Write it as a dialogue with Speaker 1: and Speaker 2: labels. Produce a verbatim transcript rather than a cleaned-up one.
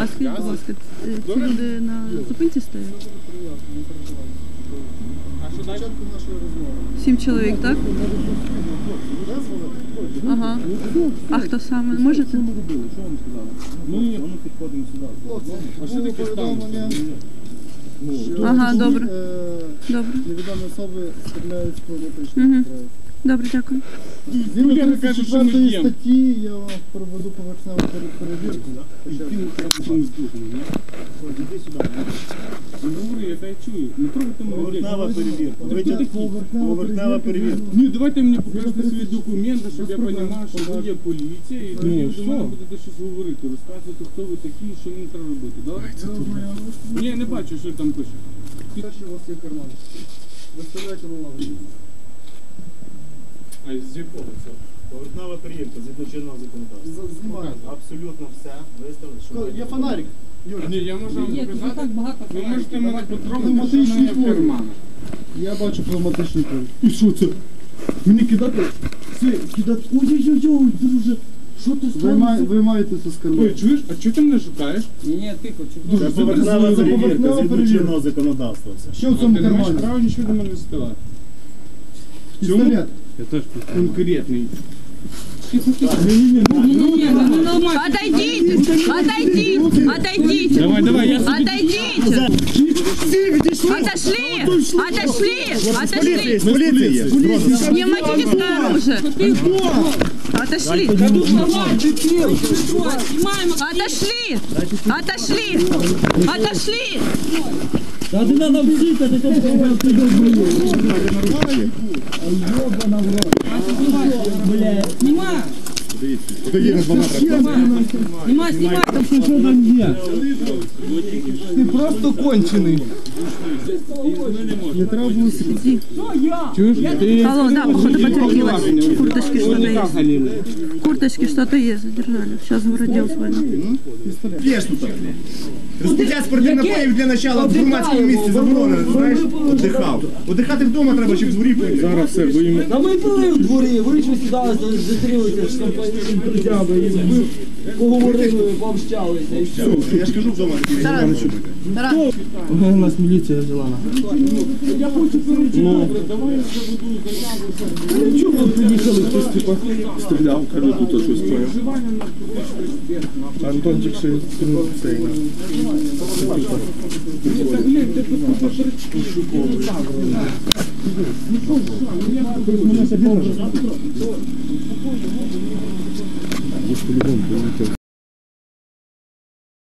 Speaker 1: А скажіть, будь ласка, ці люди на зупинці стоять?
Speaker 2: А що далі?
Speaker 1: Сім чоловік, так? Ага. А хто саме? Можете?
Speaker 2: Ми підходимо сюди. А що таке станція?
Speaker 1: Ага, добре. Добре.
Speaker 3: Невідомі особи стріляють з політичних
Speaker 1: Угу.
Speaker 3: зброї.
Speaker 1: Добре, дякую.
Speaker 3: Згідно
Speaker 2: Я не кажу, що ми
Speaker 3: тридцять четвертої
Speaker 2: п'ємо.
Speaker 3: статті я вам проведу поверхневу перевірку.
Speaker 2: Іди сюди. Не говори, я тебе чую. Не трогайте мене.
Speaker 4: Поверхнева перевірка.
Speaker 2: Ви хто такі?
Speaker 4: Поверхнева перевірка.
Speaker 2: Ні, давайте мені покажете свої документи, щоб я розумів, що ви є поліція, і тоді ви до мене будете щось говорити, розказувати, хто ви такі, що мені треба робити, добре? Ні, я не бачу, що там пише.
Speaker 3: Перший у вас є карман. Виставляйте на лаву.
Speaker 2: А з якого це?
Speaker 4: Поверхнева перевірка згідно чинного законодавства.
Speaker 3: Знімайте.
Speaker 4: Абсолютно все виставили, що
Speaker 3: Є фонарик.
Speaker 2: Ні, я можу вам
Speaker 5: Ні, тут
Speaker 2: показати.
Speaker 5: так багато
Speaker 2: Ви
Speaker 5: фонариків.
Speaker 2: можете мене потрогати, що в
Speaker 3: Пневматичний
Speaker 2: мене в
Speaker 3: ствол.
Speaker 2: карманах.
Speaker 3: Я бачу пневматичний пульт.
Speaker 2: І що це? Мені кидати?
Speaker 3: Це кидати. Ой-ой-ой, друже. Що ти сталося? Ви маєте це з
Speaker 2: Ой,
Speaker 3: карману.
Speaker 2: чуєш? А чого ти мене шукаєш?
Speaker 5: Ні, ні, тихо, чого?
Speaker 4: це
Speaker 3: Це
Speaker 4: поверхнева
Speaker 3: поверхнева
Speaker 4: перевірка згідно
Speaker 3: перевірка.
Speaker 4: чинного законодавства. Все.
Speaker 3: Що в
Speaker 2: А
Speaker 3: цьому
Speaker 2: ти не маєш
Speaker 3: кармані?
Speaker 2: права нічого до мене ставати.
Speaker 3: Пістолет.
Speaker 2: Я теж конкретний.
Speaker 5: Ні-ні-ні, ну не нормально.
Speaker 1: Отойдите! Отойдите! Отойдите!
Speaker 2: Давай, давай, я собі...
Speaker 1: Отойдите! Отошли! Отошли! Отошли!
Speaker 4: Поліція є.
Speaker 1: Пневматическое оружие! Отошли! Отошли! Отошли! Отошли!
Speaker 5: Та ти надо вчити, ти там Бля, знімай! Знімай, знімай! Що там є?
Speaker 3: Ти просто кончений. Не треба було сидіти.
Speaker 2: Чуєш? Ти...
Speaker 1: Алло, да, походу потерпелась. В курточке что-то есть. В курточке что-то есть, задержали. Сейчас городел звонит.
Speaker 4: П'єш тут. Розпиття спортивних напоїв для начала в громадському місці заборонено, знаєш? Отдихав. Отдихати вдома треба, щоб з дворі пити.
Speaker 2: Зараз все, виймемо.
Speaker 5: Та ми були в дворі, ви що сюди зустрілися з компанією друзями, і ми поговорили, пообщалися, і все.
Speaker 4: Все, я ж кажу вдома.
Speaker 1: Тарас,
Speaker 3: У нас міліція взяла.
Speaker 2: Я хочу перечувати, давай я заведу заяву.
Speaker 3: Чого ви приїхали, хтось типа стріляв, каже, тут щось твоє.
Speaker 2: Вживання наркотичних средств.
Speaker 3: Антончик ще цей.
Speaker 2: Ні, та глянь, ти тут поперечки. Ну що, що, я